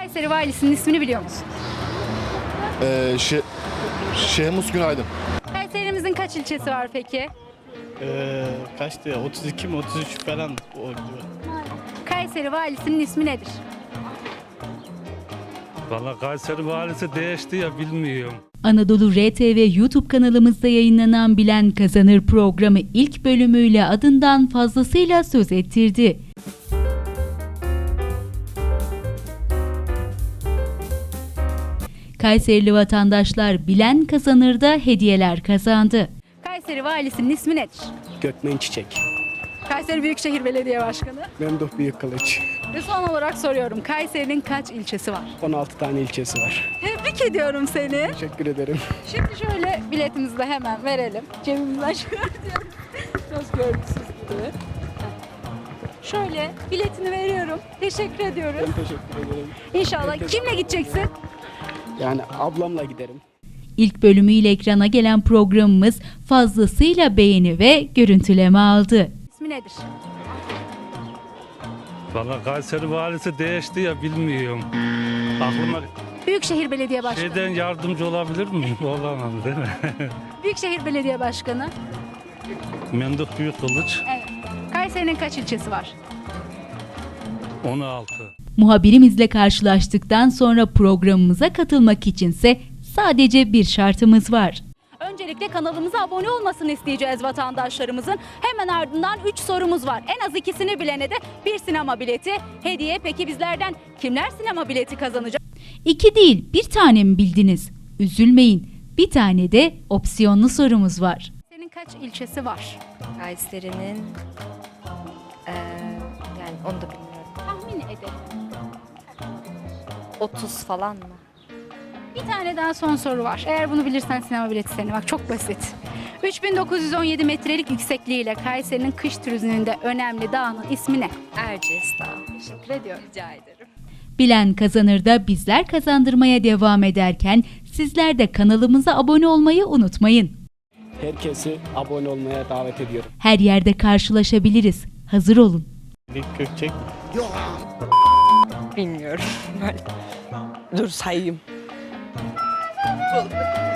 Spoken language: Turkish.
Kayseri valisinin ismini biliyor musun? Şehmus Günaydın. Kayserimizin kaç ilçesi var peki? Kaçtı ya? 32 mi 33 falan oldu. Kayseri valisinin ismi nedir? Valla Kayseri valisi değişti ya bilmiyorum. Anadolu RTV YouTube kanalımızda yayınlanan Bilen Kazanır programı ilk bölümüyle adından fazlasıyla söz ettirdi. Kayserili vatandaşlar Bilen Kazanır'da hediyeler kazandı. Kayseri valisinin ismi nedir? Gökmen Çiçek. Kayseri Büyükşehir Belediye Başkanı. Memduh Büyükkılıç. Ve son olarak soruyorum. Kayseri'nin kaç ilçesi var? 16 tane ilçesi var. Tebrik ediyorum seni. Teşekkür ederim. Şimdi şöyle biletimizi de hemen verelim. Cebimizden çıkartıyorum. Söz görgüsüz gibi. Şöyle biletini veriyorum. Teşekkür ediyoruz. Ben teşekkür ederim. İnşallah. Kimle gideceksin? Yani ablamla giderim. İlk bölümüyle ekrana gelen programımız fazlasıyla beğeni ve görüntüleme aldı. İsmi nedir? Valla Kayseri valisi değişti ya bilmiyorum. Aklıma Büyükşehir Belediye Başkanı. şeyden yardımcı olabilir miyim? Olamam değil mi? Büyükşehir Belediye Başkanı. Memduh Büyükkılıç Evet. Kayseri'nin kaç ilçesi var? 16. Muhabirimizle karşılaştıktan sonra programımıza katılmak içinse sadece bir şartımız var. Öncelikle kanalımıza abone olmasını isteyeceğiz vatandaşlarımızın. Hemen ardından 3 sorumuz var. En az ikisini bilene de bir sinema bileti hediye. Peki bizlerden kimler sinema bileti kazanacak? 2 değil, bir tane mi bildiniz? Üzülmeyin. Bir tane de opsiyonlu sorumuz var. Senin kaç ilçesi var? Kayseri'nin yani onu da bilmiyorum. Tahmin edelim. 30 falan mı? Bir tane daha son soru var. Eğer bunu bilirsen sinema bileti senin. Bak çok basit. 3917 metrelik yüksekliğiyle Kayseri'nin kış turizminde önemli dağının ismi ne? Erciyes Dağı. Teşekkür ediyorum. Rica ederim. Bilen Kazanır'da bizler kazandırmaya devam ederken sizler de kanalımıza abone olmayı unutmayın. Herkesi abone olmaya davet ediyorum. Her yerde karşılaşabiliriz. Hazır olun. Dik Gökçek. Bilmiyorum. Dur sayayım.